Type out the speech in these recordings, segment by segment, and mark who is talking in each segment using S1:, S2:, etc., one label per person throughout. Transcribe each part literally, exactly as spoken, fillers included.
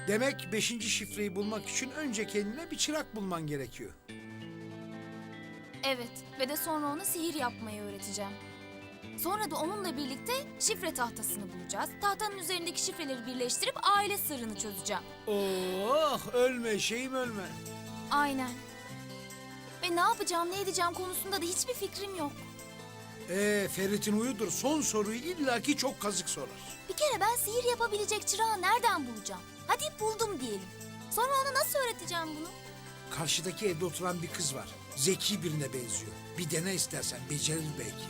S1: Demek beşinci şifreyi bulmak için önce kendine bir çırak bulman gerekiyor.
S2: Evet ve de sonra ona sihir yapmayı öğreteceğim. Sonra da onunla birlikte şifre tahtasını bulacağız. Tahtanın üzerindeki şifreleri birleştirip aile sırrını çözeceğim.
S1: Oh, ölme şeyim ölme.
S2: Aynen. Ve ne yapacağım, ne edeceğim konusunda da hiçbir fikrim yok.
S1: Ee, Ferit'in huyudur. Son soruyu illaki çok kazık sorar.
S2: Bir kere ben sihir yapabilecek çırağı nereden bulacağım? Hadi buldum diyelim. Sonra ona nasıl öğreteceğim bunu?
S1: Karşıdaki evde oturan bir kız var. Zeki birine benziyor. Bir dene istersen, becerir belki.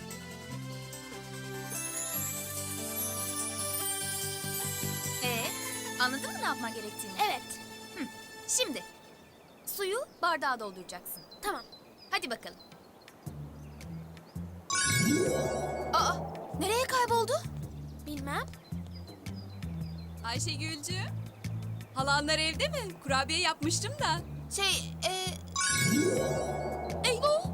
S2: Ee, anladın mı ne yapman gerektiğini? Evet. Hı. Şimdi suyu bardağa dolduracaksın. Tamam. Hadi bakalım. Aa, nereye kayboldu? Bilmem.
S3: Ayşegülcüğüm, halanlar evde mi? Kurabiye yapmıştım da.
S2: Şey, e...
S3: Eyvah!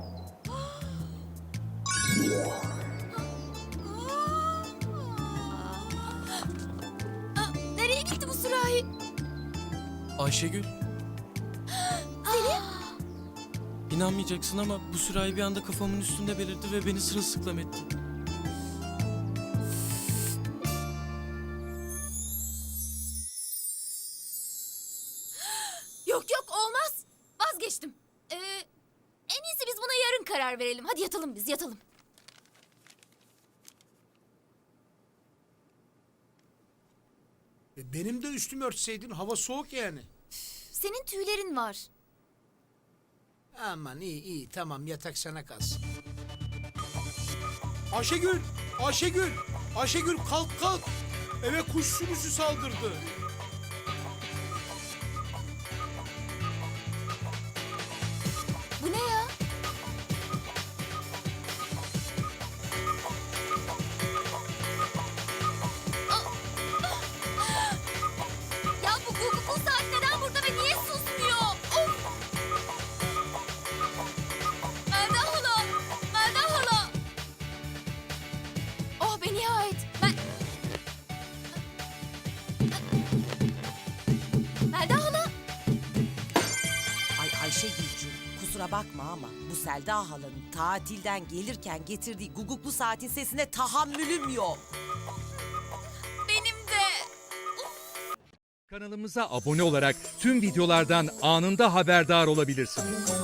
S2: Aa, nereye gitti bu sürahi?
S4: Ayşegül,
S2: Selim?
S4: inanmayacaksın ama bu sürahi bir anda kafamın üstünde belirdi ve beni sırılsıklam etti.
S2: Yok yok olmaz. Vazgeçtim. Ee, en iyisi biz buna yarın karar verelim. Hadi yatalım biz yatalım.
S1: E, benim de üstümü örtseydin, hava soğuk yani.
S2: Senin tüylerin var.
S1: Aman iyi iyi, tamam, yatak sana kalsın. Ayşegül! Ayşegül! Ayşegül kalk kalk! Eve kuş sürüsü saldırdı.
S2: Bu ne ya? Ya bu Gugu bu saat neden burada ve niye susmuyor? Of! Melda hala! Melda hala! Oh be nihayet! Ben... Melda hala!
S5: Ay Ayşegülcüğüm, kusura bakma ama bu Selda halanın tatilden gelirken getirdiği guguklu saatin sesine tahammülüm yok.
S2: Benim de!
S6: Kanalımıza abone olarak tüm videolardan anında haberdar olabilirsiniz.